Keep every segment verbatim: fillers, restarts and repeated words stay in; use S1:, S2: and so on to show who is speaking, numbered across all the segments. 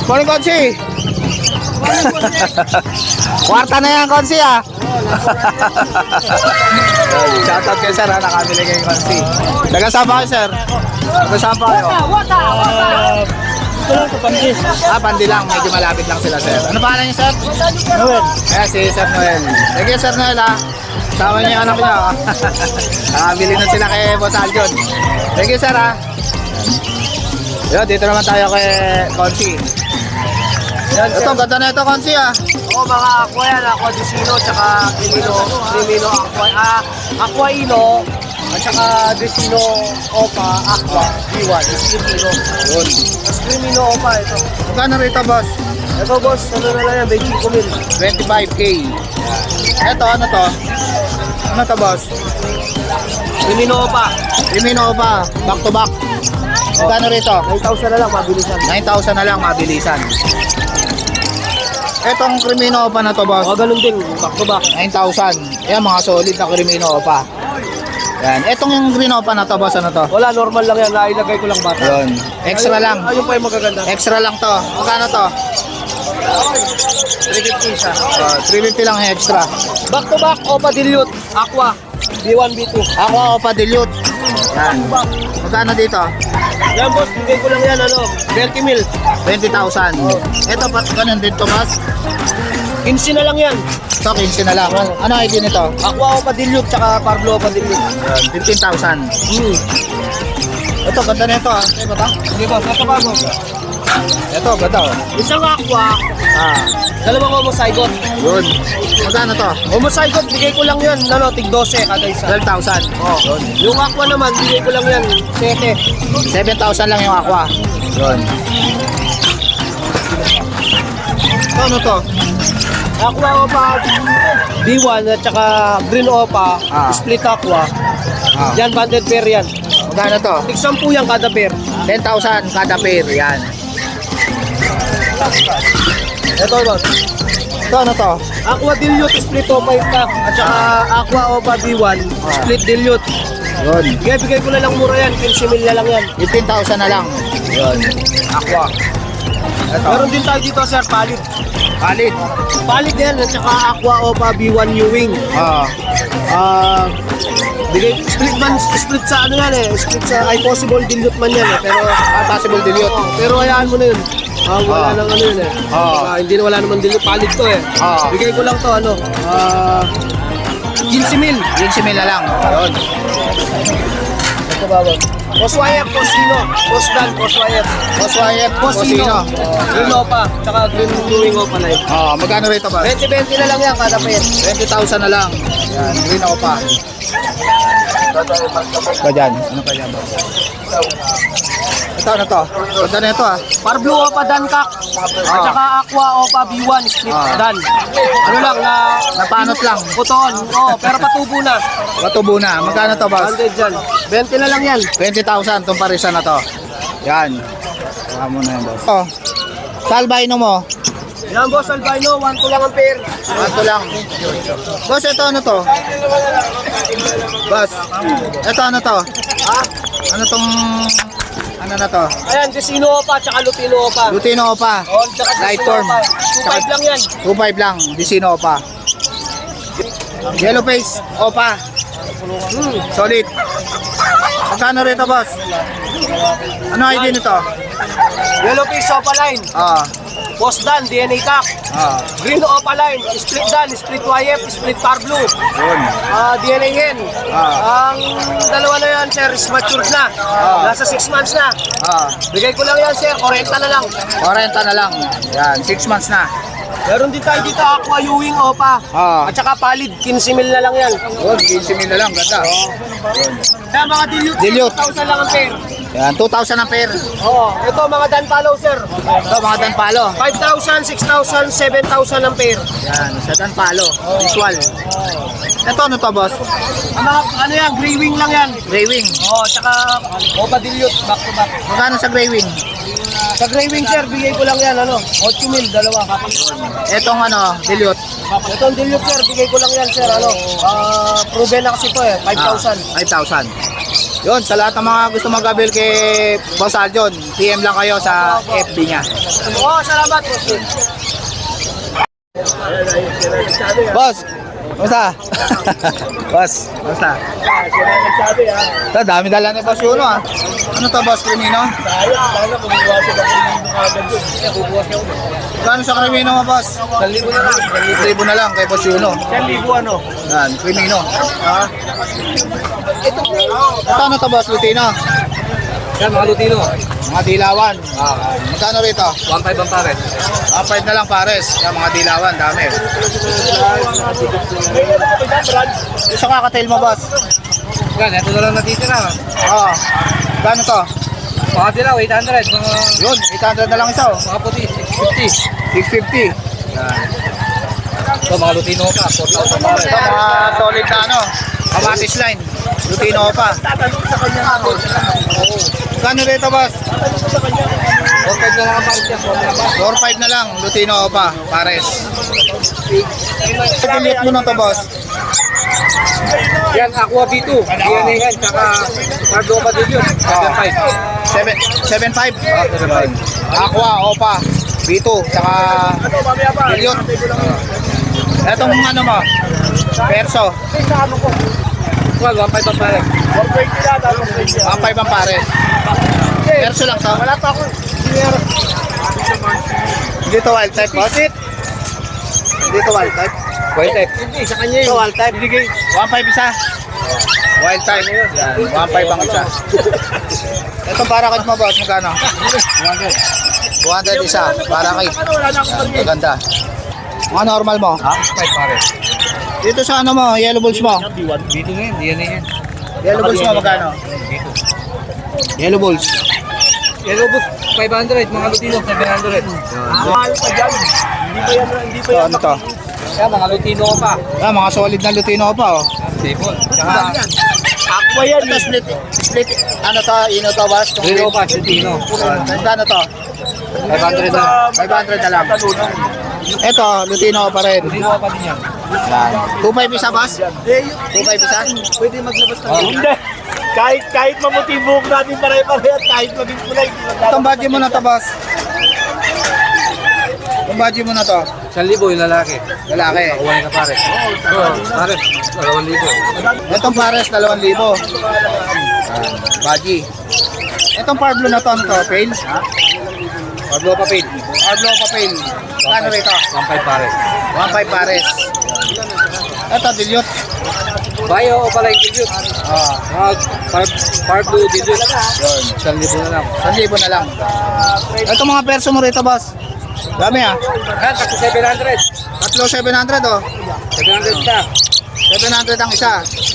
S1: Morning, Konsi. Kwarta na yan, Konsi, ah. Shoutout kayo, sir, ha. Nakabili kayo, Konsi. Taga-saan pa kayo, sir? Taga-saan pa kayo?
S2: Ito lang sa Pandis.
S1: Ah, Pandi lang. Medyo malapit lang sila, sir. Ano pangalan niyo, sir?
S2: Noel.
S1: Eh, si Sir Noel. Thank you, Sir Noel, ha. Sama niyo yung anak niyo. Nakabili na sila kay Boss Aljon. Thank you, sir, ha. Yo, dito naman tayo kay Konsi.
S2: Yan,
S1: Ito, ganda na ito, Konsi, ah.
S2: Oo, mga aqua yan. Aqua Dicino, tsaka Crimino. Crimino Aqua. Ah, Aquaino. At saka Dicino Opa, Aqua, B one. Crimino.
S1: Yun.
S2: Mas Crimino Opa ito.
S1: Magkano rito, boss?
S2: Ito boss, ano na lang yan, twenty-five mil.
S1: twenty-five K. Ito, ano to? Ano to, boss?
S2: Crimino Opa.
S1: Rimino pa, back to back. Magkano rito?
S2: nine thousand na lang, mabilisan.
S1: nine thousand na lang, mabilisan. Etong Crimino pa na to, boss.
S2: O, ganun din, back to back.
S1: nine thousand. Ayan, mga solid na Crimino pa. Yan. Etong yung green pa na to, boss, ano to?
S2: Wala, normal lang yan, nailagay ko lang bata.
S1: Yun. Extra
S2: Ayun-
S1: lang.
S2: Ayun pa yung magaganda.
S1: Extra lang to. Magkano to?
S2: three fifty siya.
S1: Uh, three fifty lang extra.
S2: Back to back, Opa Dilute, Aqua, B one, B two.
S1: Ako, Opa Dilute. Yan. Magkano dito?
S2: Yan boss, bigay ko lang yan, ano, thirty mil.
S1: twenty thousand. Ito, pa, ganun din to, boss.
S2: fifteen na lang yan.
S1: Ito, fifteen na lang. Ano I D nito?
S2: Aqua Opa Dilute, tsaka Pablo Opa Dilute.
S1: Yan, fifteen thousand.
S2: Hmm.
S1: Ito, ganda na ito, ah. Ito ba ito?
S2: Hindi boss, ito pa boss.
S1: Ito, ganda, oh.
S2: Isang Aqua,
S1: Ah,
S2: dalawang homozygote.
S1: yun. Magkano to?
S2: Homozygote, bigay ko lang yan, ano, tig twelve kada isa.
S1: twelve thousand.
S2: Oh.
S1: Yun.
S2: Yung Aqua naman, bigay ko lang yan, seven.
S1: seven thousand lang yung aqua. Yun. Ito, ano to?
S2: Aqua Opa B one at saka Green Opa,
S1: Ah.
S2: split Aqua.
S1: Ah.
S2: Yan, banded pair yan.
S1: Magkano to?
S2: Tig sampu yan kada pair.
S1: ten thousand kada pair. Yan.
S2: Ito boss.
S1: Ito, ano to?
S2: Aqua Dilute, split Opa yung pack. At saka Aqua Opa B one,
S1: Ah.
S2: split Dilute.
S1: Yun.
S2: Bigay, bigay ko na lang mura yan, fifteen mil na lang yan.
S1: fifteen thousand na lang. Yun. Aqua. Ito.
S2: Meron din tayo dito sir, palit.
S1: Palit.
S2: Palit yan, at saka Aqua Opa B one New Wing.
S1: Ah.
S2: Ah, bigay, split man, split sa ano yan eh, split sa ay possible dilute man yan eh, pero
S1: Ah, possible dilute.
S2: Oo, pero hayaan mo na yun. Ah, wala
S1: Ah.
S2: nang ano yun eh.
S1: Ah.
S2: Ah, hindi na wala naman dilute, palit to eh.
S1: Ah.
S2: Bigay ko lang to ano, ah, fifteen mil.
S1: fifteen mil na lang. Yun.
S2: Ito ba ba? Poswayep, Posino, Posdan, Poswayep,
S1: Oswayep.
S2: Posino,
S1: Posino.
S2: Green Opa, tsaka Green Blue Opa na yun.
S1: Ah, magkano rito ba?
S2: twenty twenty na lang yan kada pair.
S1: twenty thousand na lang. Yan. Green ako pa. Ito dyan. Ano pa dyan? Ito, ano to? Ganda na ito, ah.
S2: Parblu Opa Dankak, at
S1: Ah.
S2: saka Aqua Opa B one split
S1: Ah.
S2: Dan. Ano lang na
S1: Napanot lang.
S2: puton. Oh, pero patubo na.
S1: Matubo na. Magkano to, boss?
S2: one hundred dyan. twenty na lang yan.
S1: twenty thousand itong parisa na to. Yan. Saka mo na yan, boss. Oh. Salbino mo.
S2: Yan boss, albino, one to lang ang pair.
S1: Ito lang. Boss, ito ano to? Boss, ito ano to?
S2: Ha?
S1: Ano tong... Ano na to?
S2: Ayan, Dicino Opa, tsaka Lutino Opa.
S1: Lutino pa.
S2: Oh, tsaka
S1: Light
S2: Dicino
S1: form.
S2: Opa. two five lang yan.
S1: two five lang. Disino pa. Yellow face. Opa.
S2: Hmm.
S1: Solid. Magkano rito, boss? Ano I D nito?
S2: Yellow Face Opa line.
S1: Ah.
S2: Boss Dan, D N A Tac.
S1: Ah.
S2: Green Opa line. Split Dan, split Y F, split Parblu.
S1: Yun.
S2: Ah, D N A hen.
S1: Ah.
S2: Ang dalawa na yan, sir, is matured na.
S1: Ah.
S2: Nasa six months na.
S1: Ah.
S2: Bigay ko lang yan, sir. forty na lang.
S1: forty na lang. Yan. six months na.
S2: Meron din tayo dito, Aqua Ewing Opa.
S1: Ah.
S2: At saka Palid, fifteen mil na lang yan.
S1: Yun. fifteen mil na lang. Ganda.
S2: Kaya mga dilute,
S1: Dilute.
S2: two thousand lang ang pair.
S1: Yan. two thousand ang pair.
S2: Oo, ito mga Dan Palo, sir.
S1: Ito, mga danpalo.
S2: five thousand, six thousand, seven thousand ang pair.
S1: Yan. Sa danpalo. Visual. Ito, ano to, boss?
S2: Ang mga, ano yan, gray wing lang yan.
S1: Gray wing.
S2: Oo, tsaka Opa Dilute, back to back.
S1: Magkano sa gray wing?
S2: Sa gray wing, sir, bigay ko lang yan, ano, eight mil, dalawa.
S1: Etong ano, dilute.
S2: Ito ang Dilute, sir, bigay ko lang yan, sir, ano, ah, proven na kasi ito eh, five thousand.
S1: five thousand. Yun, sa lahat ng mga gusto mag-avail kay Boss Aljon, P M lang kayo sa F B niya.
S2: Oo, salamat po.
S1: Boss, kumusta? Boss, kumusta? Ito, dami dala ni Boss Yuno ah. Ano to, Boss Crimino? Gano'n sa Crimino mo, Boss?
S2: Isang libo na lang.
S1: one libo na lang kay Boss Yuno.
S2: Isang libo ano?
S1: Yan, Crimino. Ah. Ito, ito ano to, Boss Lutino?
S2: Yan, mga Lutino.
S1: Mga dilawan. Ah, magkano rito?
S2: one five ang pare.
S1: one five na lang pares. Yan, mga dilawan, dami. Gusto ka kakatail mo, Boss?
S2: Yan, ito na lang natitira.
S1: Oo. Gano'n to?
S2: Mga dilaw, eight hundred. Mga,
S1: Yun, eight hundred na lang isa oh.
S2: mga puti, six fifty.
S1: six fifty.
S2: Ito, mga Lutino pa, four thousand pare.
S1: Ito, mga solid na ano. Kamatis line. Lutino pa. Gano'n rito, Boss?
S2: four five na lang ang pare siya.
S1: four five na lang. Lutino pa. Pares. Delete mo na to, Boss.
S2: Yan, Aqua B two. D N A yan, tsaka Cardo pa din yun. seven five.
S1: seven five. Aqua, Opa, B two, saka Billiot. Etong ano mo? Perso.
S2: Well, one five ang pare.
S1: one five ang pares. Perso lang to.
S2: Wala pa ako.
S1: Dito wild type, boss. Dito wild type.
S2: Wild type. Hindi, sa kanya
S1: Ito wild type. one five isa. Wild type. Yan, one five ang isa. Ito parakit mo, boss. Magkano? two hundred isa. Parakit. Yan, maganda. Mga normal mo.
S2: Ha? five pare.
S1: Dito sa ano mo, yellow balls mo.
S2: B two ngayon, D N A yan.
S1: Yellow balls mo, magkano? Yellow balls.
S2: Yellow book, five hundred. Mga Lutino, seven hundred.
S1: Mahal pa dyan. Hindi pa yan, hindi pa yan. Ano to?
S2: Yan, mga Lutino pa.
S1: Ah, mga solid na Lutino pa, oh.
S2: Stable. Tsaka,
S1: Aqua yan. Ito, split, split, ano to, ino to, boss?
S2: Lutino pa, Lutino.
S1: Ano to?
S2: five hundred na.
S1: five hundred na lang. Ito, Lutino pa rin.
S2: Lutino pa din yan.
S1: two five isa, boss? two five isa? Pwede maglabas ng
S3: Hindi. Kahit kahit mamuti buhok natin pare-pare at kahit maging kulay.
S1: Itong budget mo na to, boss. Itong budget mo na to.
S2: Isang libo yung lalaki.
S1: Lalaki.
S2: Kuha ka pare. Oo, pare. Dalawang libo.
S1: Itong pares, dalawang libo. Baji. Itong Pablo na to, ano to? Pail?
S2: Pablo pa paid.
S1: Pablo Papel. Kano rito?
S2: one five pare.
S1: one five pares. Ito, Dilute.
S2: Bayo o pala yung dilute.
S1: Ah,
S2: Mga par- Pablo dilute.
S1: yun.
S2: Isang libo na lang.
S1: one libo na lang. Ito mga perso mo rito, boss. Dami ah.
S2: Yan, kasi seven hundred.
S1: Tatlo, seven hundred oh.
S2: seven hundred ka.
S1: seven hundred ang isa.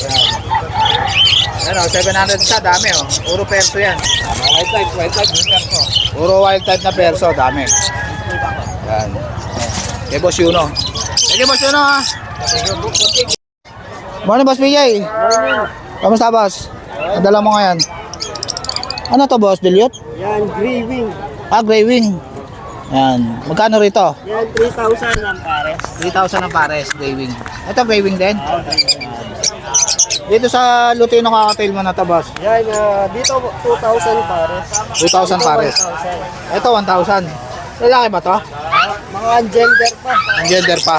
S1: Yan oh, seven hundred isa, dami oh. Puro perso yan.
S2: Mga white type, white type. Yung perso.
S1: Puro wild type na perso, dami. Yan. Kay Boss Yuno. Kay Boss Yuno ha. Morning, Boss P J. Kamusta, boss? Nadala mo ngayon. Ano to, boss? Dilute?
S3: Yan, grieving.
S1: Ah, gray wing. Yan. Magkano rito?
S3: Yan, three thousand lang pare.
S1: three thousand ang pares, gray wing. Ito, gray wing din? Dito sa Lutino kakatail mo na to, boss.
S3: Yan, ah, dito two thousand pare.
S1: two thousand pares.
S3: one thousand.
S1: Ito, one thousand. Lalaki ba to?
S3: Mga gender pa.
S1: Ang gender pa.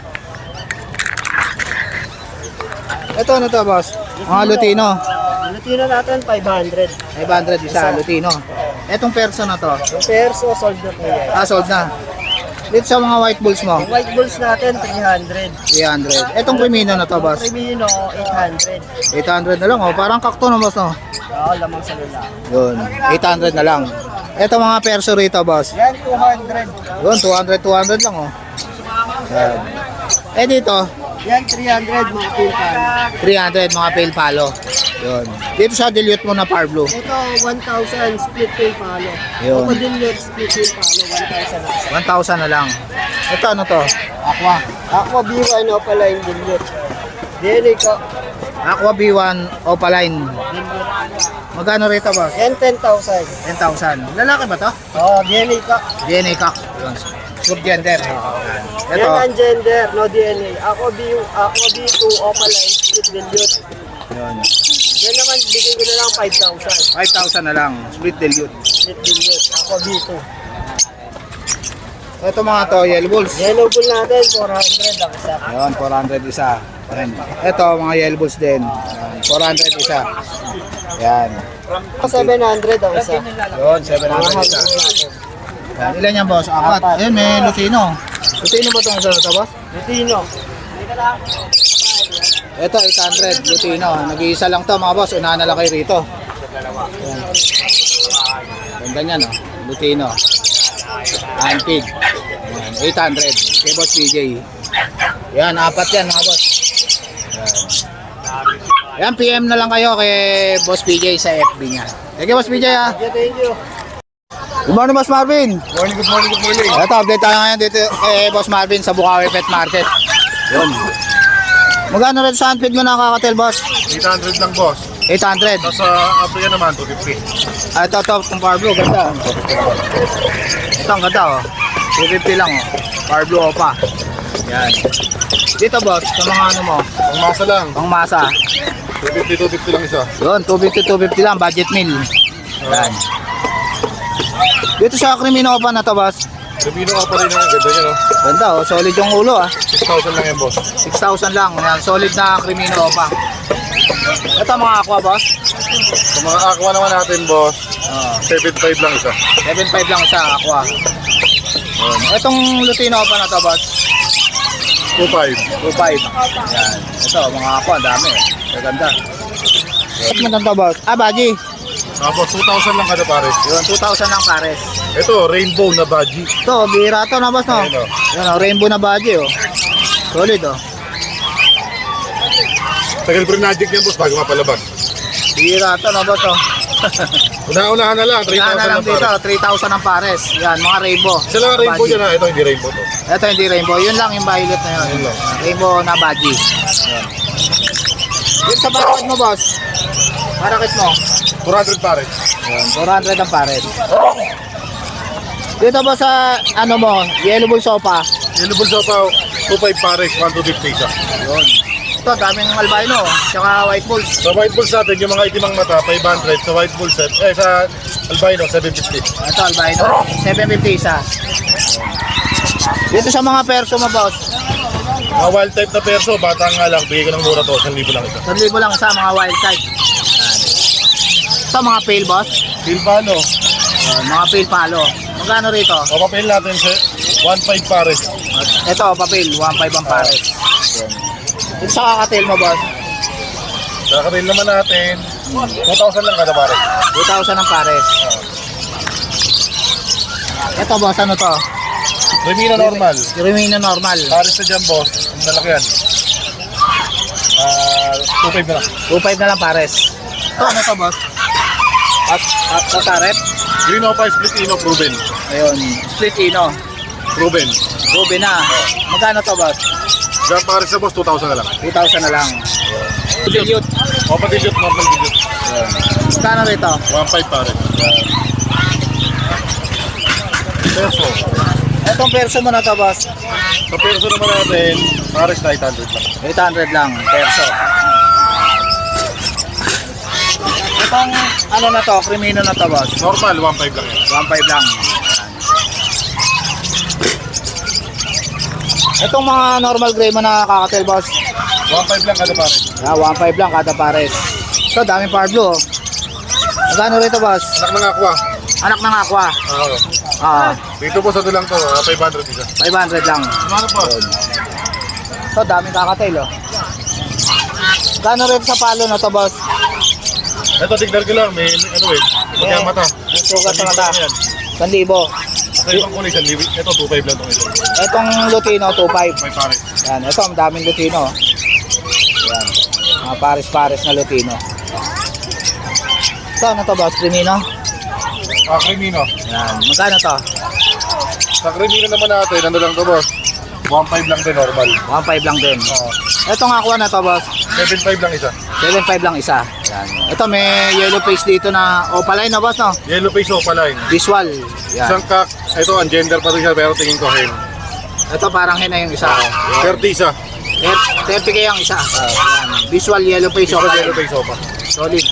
S1: Ito, ano to, boss? Mga Lutino.
S3: Lutino natin, five hundred.
S1: five hundred isa, Lutino. Etong perso na to.
S3: Yung perso, sold na po yan.
S1: Ah, sold na. Dito sa mga white bulls mo,
S3: Yung white bulls natin, three hundred.
S1: three hundred. Etong Crimino na to, boss.
S3: Primino, eight hundred.
S1: eight hundred na lang, oh. Parang kakto na, boss, no?
S3: Oo, lamang sa lalaki.
S1: Yun, eight hundred na lang. Ito mga perso rito, boss.
S3: Yan, two hundred.
S1: Yun, two hundred, two hundred lang, oh. Yan. Eh, dito,
S3: Yan, three hundred mga pilpan.
S1: three hundred, mga pale palo. Yun. Dito sa dilute mo na par blue,
S3: Ito, one thousand split pin palo.
S1: Yun.
S3: Crocodile split pin palo, one thousand.
S1: one thousand na lang. Ito, ano to? Aqua.
S3: Aqua B one o pala yung dilute. Dili ko.
S1: Aqua B one Opaline. Magkano rito, boss?
S3: Yan, ten thousand.
S1: ten thousand. Lalaki ba to?
S3: Oo, oh, D N A ka.
S1: D N A cock. Yun. Good gender.
S3: Yan
S1: Ito,
S3: ang gender, no D N A. Aqua B, Aqua B two o pala yung split dilute.
S1: Yun.
S2: Yan naman, bigay ko na lang five thousand.
S1: five thousand na lang. Split dilute.
S2: Split billion. Ako dito.
S1: Ito mga to, yellow bulls.
S2: Yellow bull natin, four hundred ang isa.
S1: Ayun, four hundred isa. Ayan. Ito, mga yellow bulls din. Ayan, four hundred isa. Yan.
S2: seven hundred ang isa.
S1: Yun, seven hundred isa. Yan. Ilan yan, boss? Apat. Ayun, may Lutino. Lutino ba itong isa na ito, boss?
S2: Lutino.
S1: Ito, eight hundred. Lutino. Nag-iisa lang to mga boss. Unahan na lang kayo rito. Ayan. Ganda niya, no? Lutino. Anpig. Ayan, eight hundred. Kay Boss B J. Yan, apat yan mga boss. Yan. Yan, P M na lang kayo kay Boss B J sa F B niya. Thank you, Boss B J, ha.
S2: Yeah, thank you.
S1: Good morning, Boss Marvin.
S3: Morning, good morning, good morning.
S1: Ito, update tayo ngayon dito kay Boss Marvin sa Bukawi Pet Market. Yun. Magkano rin sa handfeed mo nakakatel, boss?
S3: eight hundred lang, boss.
S1: eight hundred.
S3: Tapos sa Africa naman, two fifty.
S1: Ah, ito, ito, itong Power Blue, ganda. Ito, ang ganda, oh. two fifty lang, oh. Power Blue Opa. Yan. Dito, boss, sa mga ano mo,
S3: Ang masa lang,
S1: pang masa.
S3: two fifty, two fifty lang isa.
S1: Yun, two fifty, two fifty lang, budget meal. Yan. Dito sa Crimino Opa na to, boss.
S3: Sabino ka pa rin ang ganda niya, no?
S1: Ganda, oh. Solid yung ulo, ah.
S3: six thousand lang yan, boss.
S1: six thousand lang. Yan, solid na Crimino Opa. Ito, mga aqua, boss.
S3: Sa mga aqua naman natin, boss,
S1: Oh.
S3: seven five lang isa.
S1: seven five lang sa aqua. Yun. Itong Lutino pa na to, boss.
S3: two five.
S1: two five. Yan. Ito, mga aqua, dami. Maganda. At maganda, boss. Ah, Baji.
S3: Tapos two thousand lang kada pare.
S1: Yun, two thousand lang pares.
S3: Ito, rainbow na baji.
S1: Ito, bihira to na, boss, no?
S3: Ayun, oh.
S1: Yan, oh, rainbow na Baji, oh. Solid, oh.
S3: Tagal pa rin magic yan, boss, bago mapalabas.
S1: Bihira to na, boss, oh.
S3: Una-unahan na lang, three
S1: Yan na
S3: thousand
S1: lang
S3: lang
S1: dito,
S3: pare.
S1: three thousand ang pares. Yan, mga rainbow.
S3: Isa lang ang rainbow
S1: Baji.
S3: dyan, ha? Ito, hindi rainbow to.
S1: Ito hindi rainbow. Yun lang yung violet na yun.
S3: Yun lang.
S1: Rainbow na Baji. Yan. Yun sa barakit mo, boss. Barakit mo.
S3: four hundred pare.
S1: Yan, four hundred ang pares. Dito ba sa ano mo, yellow bull sopa?
S3: Yellow bull sopa, two five pares, one two fifty isa.
S1: Yun. Ito, daming albino, tsaka white bulls.
S3: Sa white bulls natin, yung mga itimang mata, five hundred. Sa white bull set, eh, sa albino, seven fifty.
S1: Ito, albino, seven fifty isa. Dito sa mga perso mo, boss,
S3: Mga wild type na perso, bata nga lang, bigay ko ng mura to, one thousand lang isa.
S1: one libo lang isa, mga wild type. Yan. Ito, mga pale, boss.
S3: Steel palo,
S1: Yan, mga pale palo. Magkano rito?
S3: papapil natin sa one five pares.
S1: Ito, papel, one five ang pares. Yan. Dito sa kakatil mo, boss,
S3: Sa karil naman natin, two thousand lang kada pares.
S1: two thousand ang pares. Ito, boss, ano to?
S3: Remino normal,
S1: Remino normal.
S3: pares na dyan, boss, ang lalaki yan. Ah, two five na lang.
S1: two five na lang pares. Ito, ano to, boss? At, at sa tarep?
S3: Green Opa split ino, proven.
S1: Ayun, split ino.
S3: Proven.
S1: Ruby na. Magkano to, boss?
S3: Dyan pares na, boss, two thousand na lang.
S1: two thousand na lang. Dilute.
S3: Opa dilute, normal dilute.
S1: Magkano rito?
S3: one five pares. Perso.
S1: Etong perso mo na to, boss.
S3: Sa perso naman natin, pares na eight hundred lang.
S1: eight hundred lang, perso. Itong ano na to, Crimino na to, boss.
S3: Normal, one five lang yan.
S1: one five lang. Itong mga normal gray mo na kakatel, boss.
S3: one five lang kada pares.
S1: Ah, one five lang kada pares. Ito, daming Power Blue, oh. Magkano rito, boss?
S3: Anak ng aqua.
S1: Anak ng aqua.
S3: Oo.
S1: Ah,
S3: Dito po sa ito lang to, ah, five hundred isa.
S1: five hundred lang.
S3: Ano po?
S1: Ito, daming kakatel, oh. Magkano rito sa palo na to, boss?
S3: Ito, tignan ko lang, may ano eh, magkang mata.
S1: May sugat sa mata.
S3: Yan.
S1: one libo.
S3: Sa ibang kulay, sa liwi. Ito, two five lang itong ito.
S1: Itong Lutino, two five.
S3: May pares.
S1: Yan, ito, ang daming Lutino. Yan, mga pares-pares na Lutino. Ito, ano to, boss? Crimino?
S3: Ah, Crimino.
S1: Yan, magkano to?
S3: Sa Crimino naman natin, ano lang to, boss? one five lang din, normal.
S1: one five lang din.
S3: Oo.
S1: Itong aqua na to, boss?
S3: seven five lang isa.
S1: seven five lang isa. Yan. Ito, may yellow face dito na opaline, no, boss, no?
S3: Yellow face opaline.
S1: Visual. Yan.
S3: Isang kak, ito, ang gender pa rin siya, pero tingin ko hen.
S1: Ito, parang hina yung isa.
S3: thirty isa.
S1: thirty K ang isa. Yan. Visual yellow face
S3: Ito
S1: opa.
S3: yellow face opa.
S1: Solid.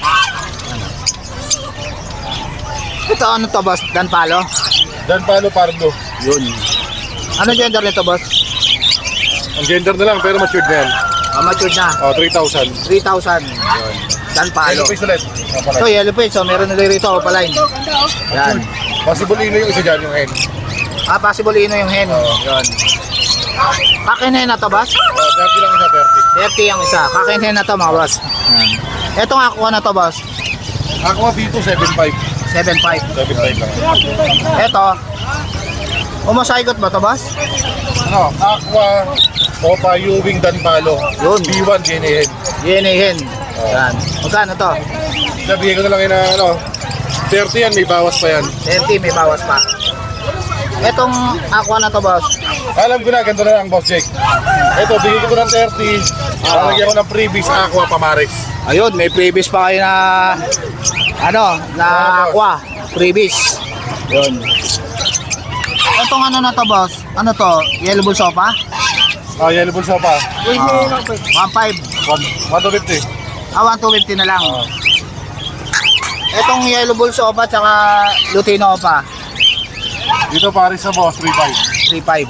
S1: Ito ano to boss? Dan palo?
S3: Dan palo pardo.
S1: Yun. Ano gender nito boss?
S3: Ang gender na lang pero matured na yan.
S1: Ah, matured na.
S3: Oh, three thousand.
S1: three thousand. Dan palo.
S3: Yellow face ulit.
S1: Ito yellow face. So meron nila rito opaline. Yan.
S3: Possible ino yung isa dyan yung hen.
S1: Ah, possible ino yung hen. Yun. Kakinhen na to boss?
S3: Oh, thirty lang isa, thirty.
S1: thirty ang isa. Kakinhen na to mga boss. Yan. Ito nga kuha na to boss.
S3: Aqua B two, seven five.
S1: seven five.
S3: seven five lang.
S1: Ito. Umasaygot ba to boss?
S3: Ano? Aqua, Opa, Ewing, Dan Palo.
S1: Yun.
S3: B one, G N A hen.
S1: Yan eh hen. Yan. Magkano to?
S3: Nabigay ko na lang yun na ano. thirty yan, may bawas pa yan.
S1: thirty may bawas pa. Etong aqua na to boss.
S3: Alam ko na, ganito na lang, Boss Jake. Ito, bigay ko ng thirty. Lalagyan ko ng previous Aqua Pamares.
S1: Ayun, may previous pa kayo na ano, na aqua. Previous. Yun. Etong ano na to boss? Ano to? Yellow bull sopa?
S3: Ah, yellow bull sopa.
S1: Ah, one five.
S3: one to fifty.
S1: Ah, one two fifty na lang. Etong yellow bull sopa tsaka Lutino pa.
S3: Dito pares sa boss, three five.
S1: three five.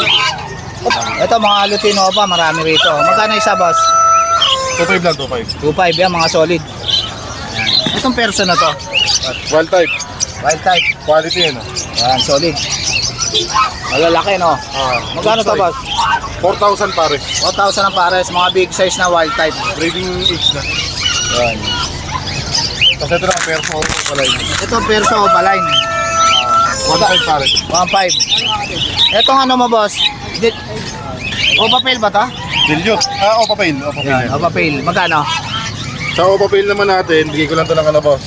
S1: Ito mga Lutino pa, marami rito. Magkano isa boss?
S3: two five lang, two five.
S1: two five yan, mga solid. Itong perso na to.
S3: Wild type.
S1: Wild type.
S3: Quality yun. ah.
S1: Yan, solid. Malalaki no.
S3: Ah,
S1: Magkano to boss?
S3: four thousand pares.
S1: four thousand ang pares, mga big size na wild type.
S3: Breeding age na.
S1: Yan.
S3: Kasi ito lang, perso ko pala yun.
S1: Ito perso opaline.
S3: one five pares.
S1: one five. Etong ano mo boss? Di- Opa Pale ba to?
S3: Dilute. Ah, Opa Pail. Opa Pail.
S1: Yan, Opa Pale. Magkano?
S3: Sa Opa Pail naman natin, bigay ko lang ito ng ano, boss.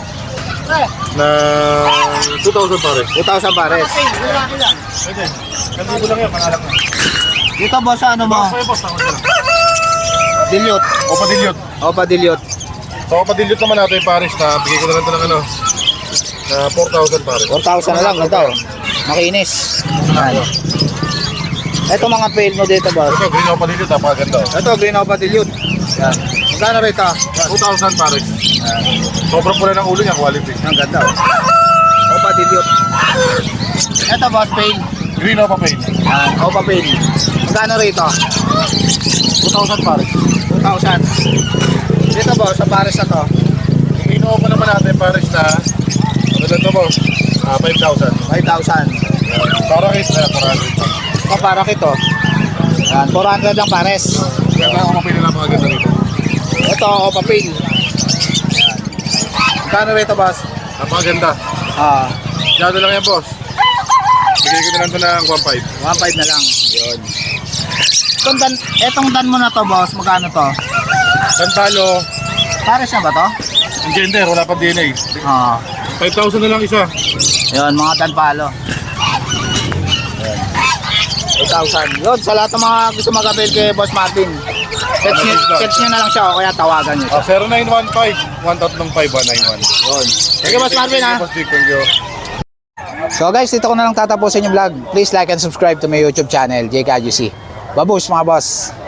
S3: Na two thousand pares.
S1: two thousand pares.
S3: Pwede. Kandibo lang yan, pangalak na.
S1: Dito boss, ano mo?
S3: Boss, boss, tama sila.
S1: Dilute.
S3: Opa Dilute.
S1: Opa Dilute.
S3: Sa Opa Dilute naman natin, pares na, bigay ko na lang ito ng ano, na four thousand pares.
S1: four thousand na lang ito. Makinis. Yan. Ito mga pale mo dito boss.
S3: Ito, green Opa Dilute, napakaganda. oh.
S1: Ito, green Opa Dilute. Yan. Magkano rito?
S3: two thousand pares. Sobrang pula ng ulo niya, quality.
S1: Ang ganda. oh. Opa Dilute. Ito boss, pale.
S3: Green Opa Pail.
S1: Yan, Opa Pale. Magkano rito?
S3: two thousand pares.
S1: two thousand. Dito boss, sa pares na to.
S3: Yung Green Opa naman natin, pares na, ano lang ito, boss? Ah, five thousand.
S1: five thousand.
S3: Para case na, four hundred.
S1: Ito, para kito. Yan, four hundred ang pares.
S3: Ganda ako mapili lang mga ganda rito.
S1: Ito, Opa Pale. Yan. Magkano rito boss?
S3: Napakaganda.
S1: Ah,
S3: Dito lang yan, boss. Bigay ko na lang ito ng one five.
S1: one five na lang. Yun. Itong dan, etong dan mo na to boss, magkano to?
S3: Tantalo,
S1: Pares na ba to?
S3: ang gender, wala pa D N A.
S1: Ah.
S3: five thousand na lang isa.
S1: Yun, mga tanpalo. eight thousand. Yun, sa lahat ng mga gusto mag-avail kay Boss Martin. Text nyo, text nyo na lang siya o kaya tawagan nyo siya.
S3: Ah, zero nine one five, one three five one nine one.
S1: Yun. Thank you, Boss Martin, ha?
S3: Boss Dick, thank you.
S1: So guys, dito ko na lang tatapusin yung vlog. Please like and subscribe to my YouTube channel, J K U C. Babush mga boss!